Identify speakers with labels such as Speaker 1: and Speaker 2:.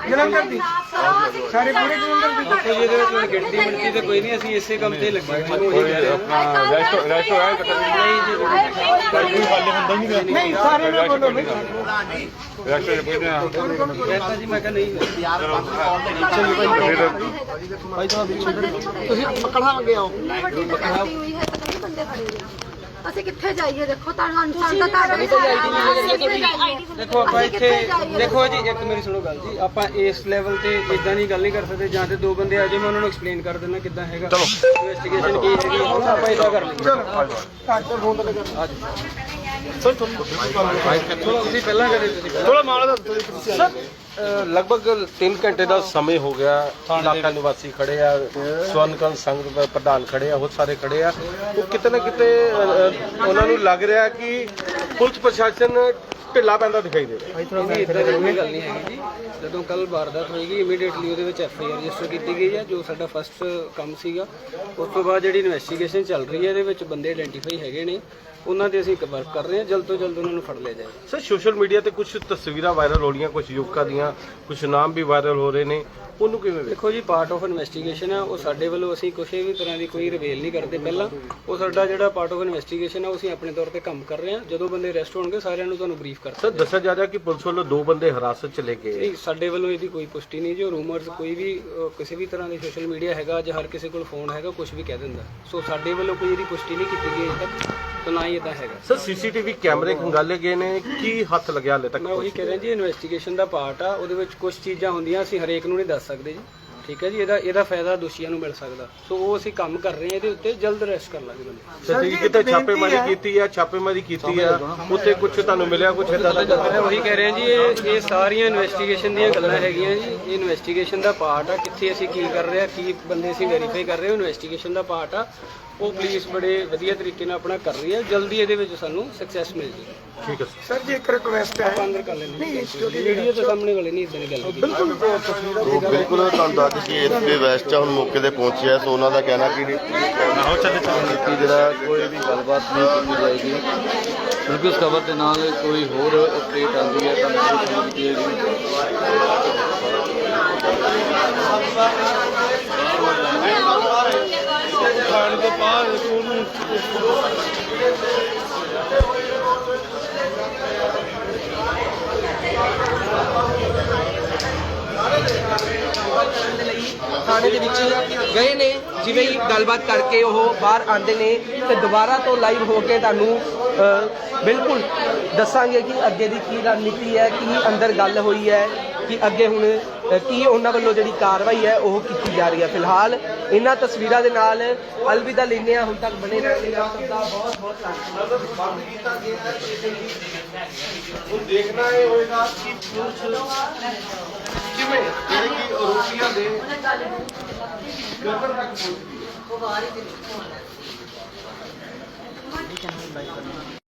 Speaker 1: ਜਲੰਧਰ ਦੀ ਸਾਰੇ ਪੂਰੇ ਜਲੰਧਰ ਦੀ
Speaker 2: ਕੋਈ ਇਹਦੇ ਵਿੱਚ ਗਿਣਤੀ ਮਿਣਤੀ ਤੇ ਕੋਈ ਨਹੀਂ, ਅਸੀਂ ਇਸੇ ਕੰਮ ਤੇ ਲੱਗੇ ਹੋਏ ਹਾਂ।
Speaker 3: ਆਪਣਾ ਰੈਸਟੋ ਹੈ
Speaker 1: ਨਹੀਂ ਸਾਰੇ ਨੇ ਬੋਲੋ ਨਹੀਂ
Speaker 3: ਰੈਸਟੋ ਦੇ ਪੁੱਛਦੇ ਆ
Speaker 2: ਕਹਿੰਦਾ ਜੀ ਮੈਂ ਕਿਹਾ ਨਹੀਂ
Speaker 1: ਤੁਸੀਂ ਪਕੜਾਵਾਂਗੇ ਆਓ
Speaker 4: ਅਸੀਂ ਕਿੱਥੇ ਜਾਈਏ? ਦੇਖੋ ਤੁਹਾਨੂੰ ਅਨਸਾਨ ਦਾ ਤੁਹਾਡਾ ਵੀ
Speaker 2: ਦੇਖੋ ਆਪਾਂ ਇੱਥੇ ਦੇਖੋ ਜੀ, ਇੱਕ ਮੇਰੀ ਸੁਣੋ ਗੱਲ ਜੀ, ਆਪਾਂ ਇਸ ਲੈਵਲ ਤੇ ਇਦਾਂ ਦੀ ਗੱਲ ਨਹੀਂ ਕਰ ਸਕਦੇ। ਜਾਂ ਤੇ ਦੋ ਬੰਦੇ ਆ ਜਾਓ, ਮੈਂ ਉਹਨਾਂ ਨੂੰ ਐਕਸਪਲੇਨ ਕਰ ਦਿੰਦਾ ਕਿੱਦਾਂ ਹੈਗਾ ਇਨਵੈਸਟੀਗੇਸ਼ਨ ਕੀ ਹੈਗੀ, ਆਪਾਂ ਇਦਾਂ ਕਰ ਲਈਏ। ਚਲੋ ਤੁਸੀਂ ਪਹਿਲਾਂ ਕਰੇ, ਤੁਸੀਂ
Speaker 3: ਥੋੜਾ ਮਾਮਲਾ ਸਰ ਲਗਭਗ 3 ਘੰਟੇ ਦਾ ਸਮੇਂ ਹੋ ਗਿਆ। ਇਲਾਕਾ ਨਿਵਾਸੀ ਖੜੇ ਆ, ਸਵਰਨਕਰਨ ਸੰਘ ਦੇ ਪ੍ਰਧਾਨ ਖੜੇ ਆ, ਬਹੁਤ ਸਾਰੇ ਖੜੇ ਆ। ਉਹ ਕਿਤੇ ਨਾ ਕਿਤੇ ਉਹਨਾਂ ਨੂੰ ਲੱਗ ਰਿਹਾ ਕਿ ਪੁਲਿਸ ਪ੍ਰਸ਼ਾਸਨ ਢਿੱਲਾ ਪੈਂਦਾ ਦਿਖਾਈ ਦੇ ਰਿਹਾ।
Speaker 2: ਇਦਾਂ ਦੀ ਕੋਈ ਗੱਲ ਨਹੀਂ ਹੈਗੀ ਜੀ। ਜਦੋਂ ਕੱਲ ਵਾਰਦਾਤ ਹੋਏਗੀ ਇਮੀਡੀਏਟਲੀ ਉਹਦੇ ਵਿੱਚ FIR ਰਜਿਸਟਰ ਕੀਤੀ ਗਈ ਹੈ, ਜੋ ਸਾਡਾ ਫਸਟ ਕੰਮ ਸੀਗਾ। ਉਸ ਤੋਂ ਬਾਅਦ ਜਿਹੜੀ ਇਨਵੈਸਟੀਗੇਸ਼ਨ ਚੱਲ ਰਹੀ ਹੈ, ਇਹਦੇ ਵਿੱਚ ਬੰਦੇ ਆਇਡੈਂਟੀਫਾਈ ਹੈਗੇ ਨੇ, ਉਹਨਾਂ ਤੇ ਅਸੀਂ ਵਰਕ ਕਰ ਰਹੇ ਹਾਂ। ਜਲਦ ਤੋਂ ਜਲਦ ਉਹਨਾਂ ਨੂੰ ਫੜ ਲਿਆ ਜਾਏਗਾ।
Speaker 3: ਸਰ ਸੋਸ਼ਲ ਮੀਡੀਆ ਤੇ ਕੁਝ ਤਸਵੀਰਾਂ ਵਾਇਰਲ ਹੋ ਰਹੀਆਂ, ਕੁਝ ਯੁਵਕਾਂ ਦੀਆਂ, ਕੁਝ ਨਾਮ ਵੀ ਵਾਇਰਲ ਹੋ ਰਹੇ ਨੇ, ਉਹਨੂੰ ਕਿਵੇਂ ਵੇਖੋ?
Speaker 2: ਦੇਖੋ ਜੀ, ਪਾਰਟ ਆਫ ਇਨਵੈਸਟੀਗੇਸ਼ਨ ਹੈ, ਉਹ ਸਾਡੇ ਵੱਲੋਂ ਅਸੀਂ ਕਿਸੇ ਵੀ ਤਰ੍ਹਾਂ ਦੀ ਕੋਈ ਰਿਵੇਲ ਨਹੀਂ ਕਰਦੇ ਪਹਿਲਾਂ। ਉਹ ਸਾਡਾ ਜਿਹੜਾ ਪਾਰਟ ਆਫ ਇਨਵੈਸਟੀਗੇਸ਼ਨ ਹੈ, ਉਹ ਅਸੀਂ ਆਪਣੇ ਤੌਰ ਤੇ ਕੰਮ ਕਰ ਰਹੇ ਹਾਂ। ਜਦੋਂ ਬੰਦੇ ਅਰੈਸਟ ਹੋਣਗੇ ਸਾਰਿਆਂ ਨੂੰ ਤੁਹਾਨੂੰ ਬਰੀਫ ਕਰ
Speaker 3: ਸਰ ਦੱਸਿਆ ਜਾ ਰਿਹਾ ਕਿ ਪੁਲਿਸ ਵੱਲੋਂ 2 ਬੰਦੇ ਹਿਰਾਸਤ ਚ ਲੈ ਕੇ
Speaker 2: ਨਹੀਂ, ਸਾਡੇ ਵੱਲੋਂ ਇਹਦੀ ਕੋਈ ਪੁਸ਼ਟੀ ਨਹੀਂ। ਜੋ ਰੂਮਰਸ ਕੋਈ ਵੀ ਕਿਸੇ ਵੀ ਤਰ੍ਹਾਂ ਦੀ ਸੋਸ਼ਲ ਮੀਡੀਆ ਹੈਗਾ ਜਾਂ ਹਰ ਕਿਸੇ ਕੋਲ ਫੋਨ ਹੈਗਾ, ਕੁਝ ਵੀ ਕਹਿ ਦਿੰਦਾ। ਸੋ ਸਾਡੇ ਵੱਲੋਂ ਕੋਈ ਇਹਦੀ ਪੁਸ਼ਟੀ ਨਹੀਂ ਕੀਤੀ ਗਈ ਅਜੇ ਤੱਕ, ਤਾਂ ਨਾ ਹੀ ਇਦਾਂ ਹੈਗਾ।
Speaker 3: ਸਰ ਸੀਸੀਟੀਵੀ ਕੈਮਰੇ ਖੰਗਾਲੇ ਗਏ ਨੇ, ਕੀ ਹੱਥ ਲੱਗਿਆ ਹਾਲੇ ਤੱਕ?
Speaker 2: ਮੈਂ ਉਹੀ ਕਹਿ ਰਿਹਾ ਜੀ, ਇਨਵੈਸਟੀਗੇਸ਼ਨ ਦਾ ਪਾਰਟ ਆ, ਉਹਦੇ ਵਿੱਚ ਕੁਝ ਚੀਜ਼ਾਂ ਹੁੰਦੀਆਂ ਅਸੀਂ ਹਰੇਕ ਨੂੰ ਨਹੀਂ ਦੱਸ ਸਕਦੇ ਜੀ, ਠੀਕ ਹੈ ਜੀ। ਇਹਦਾ ਫਾਇਦਾ ਦੋਸ਼ੀਆਂ ਨੂੰ ਮਿਲ ਸਕਦਾ। ਸੋ ਉਹ ਅਸੀਂ ਕੰਮ ਕਰ ਰਹੇ ਹਾਂ, ਇਹਦੇ ਉੱਤੇ ਜਲਦ ਅਰੈਸਟ ਕਰ ਲਾਂਗੇ ਬੰਦੇ।
Speaker 3: ਸਰ ਜੀ ਕਿਤੇ ਛਾਪੇਮਾਰੀ ਕੀਤੀ ਆ, ਉੱਥੇ ਕੁਝ ਤੁਹਾਨੂੰ ਮਿਲਿਆ ਕੁਝ ਇਦਾਂ ਦਾ?
Speaker 2: ਮੈਂ ਉਹੀ ਕਹਿ ਰਿਹਾ ਜੀ, ਇਹ ਸਾਰੀਆਂ ਇਨਵੈਸਟੀਗੇਸ਼ਨ ਦੀਆਂ ਗੱਲਾਂ ਹੈਗੀਆਂ ਜੀ। ਇਹ ਇਨਵੈਸਟੀਗੇਸ਼ਨ ਦਾ ਪਾਰਟ ਆ, ਕਿੱਥੇ ਅਸੀਂ ਕੀ ਕਰ ਰਹੇ ਹਾਂ, ਕੀ ਬੰਦੇ ਅਸੀਂ ਵੈਰੀਫਾਈ ਕਰ ਰਹੇ ਹਾਂ, ਇਨਵੈਸਟੀਗੇਸ਼ਨ ਦਾ ਪਾਰਟ ਆ। ਉਹ ਪੁਲਿਸ ਬੜੇ ਵਧੀਆ ਤਰੀਕੇ ਨਾਲ ਆਪਣਾ ਕਰ ਰਹੀ ਹੈ। ਜਲਦੀ ਇਹਦੇ ਵਿੱਚ ਸਾਨੂੰ ਸਕਸੈਸ ਮਿਲ ਜਾਏਗੀ।
Speaker 3: ਠੀਕ ਹੈ
Speaker 1: ਸਰ ਜੀ ਇੱਕ ਰਿਕੁਐਸਟ ਹੈ
Speaker 2: ਆਪਾਂ ਅੰਦਰ ਕਰ ਲੈਂਦੇ ਵੀਡੀਓ ਦੇ ਸਾਹਮਣੇ ਵਾਲੇ ਨਹੀਂ ਇਦਾਂ ਦੀ ਗੱਲ ਕੀਤੀ।
Speaker 1: ਬਿਲਕੁਲ
Speaker 5: ਬਿਲਕੁਲ ਤੁਹਾਨੂੰ ਦੱਸ ਕਿ ਇੱਥੇ ਵੈਸਟ ਹੁਣ ਮੌਕੇ ਤੇ ਪਹੁੰਚਿਆ, ਸੋ ਉਹਨਾਂ ਦਾ ਕਹਿਣਾ ਕਿ ਜਿਹੜਾ
Speaker 6: ਕੋਈ ਵੀ ਗੱਲਬਾਤ ਨਹੀਂ ਕੀਤੀ ਜਾਏਗੀ, ਕਿਉਂਕਿ ਉਸ ਖਬਰ ਦੇ ਨਾਲ ਕੋਈ ਹੋਰ ਅਪਡੇਟ ਆਉਂਦੀ ਹੈ ਤਾਂ ਮੈਨੂੰ ਸੁਣ ਦਿੱਤੀ
Speaker 3: ਖਾਣ ਤੋਂ ਬਾਅਦ ਉਹਨੂੰ
Speaker 7: ਥਾਣੇ ਦੇ ਵਿੱਚ ਗਏ ਨੇ, ਜਿਵੇਂ ਹੀ ਗੱਲਬਾਤ ਕਰਕੇ ਉਹ ਬਾਹਰ ਆਉਂਦੇ ਨੇ ਤੇ ਦੁਬਾਰਾ ਤੋਂ ਲਾਈਵ ਹੋ ਕੇ ਤੁਹਾਨੂੰ ਬਿਲਕੁਲ ਦੱਸਾਂਗੇ ਕਿ ਅੱਗੇ ਦੀ ਕੀ ਰਣਨੀਤੀ ਹੈ, ਕੀ ਅੰਦਰ ਗੱਲ ਹੋਈ ਹੈ, ਕਿ ਅੱਗੇ ਹੁਣ ਕੀ ਉਹਨਾਂ ਵੱਲੋਂ ਜਿਹੜੀ ਕਾਰਵਾਈ ਹੈ ਉਹ ਕੀਤੀ ਜਾ ਰਹੀ ਹੈ। ਫਿਲਹਾਲ ਇਹਨਾਂ ਤਸਵੀਰਾਂ ਦੇ ਨਾਲ ਅਲਵਿਦਾ ਲੈਂਦੇ ਹਾਂ। ਹੁਣ ਤੱਕ ਬਣੇ ਰਹਿਣ ਦਾ ਬਹੁਤ ਬਹੁਤ ਧੰਨਵਾਦ।
Speaker 3: ਹੁਣ ਦੇਖਣਾ ਇਹ ਹੋਏਗਾ ਕਿ ਪੁਲਿਸ ਕਿਵੇਂ ਜਿਹੜੇ ਕਿ ਆਰੋਪੀਆਂ ਦੇ ਗਰਦਨ ਤੱਕ ਪਹੁੰਚਦੀ ਹੈ।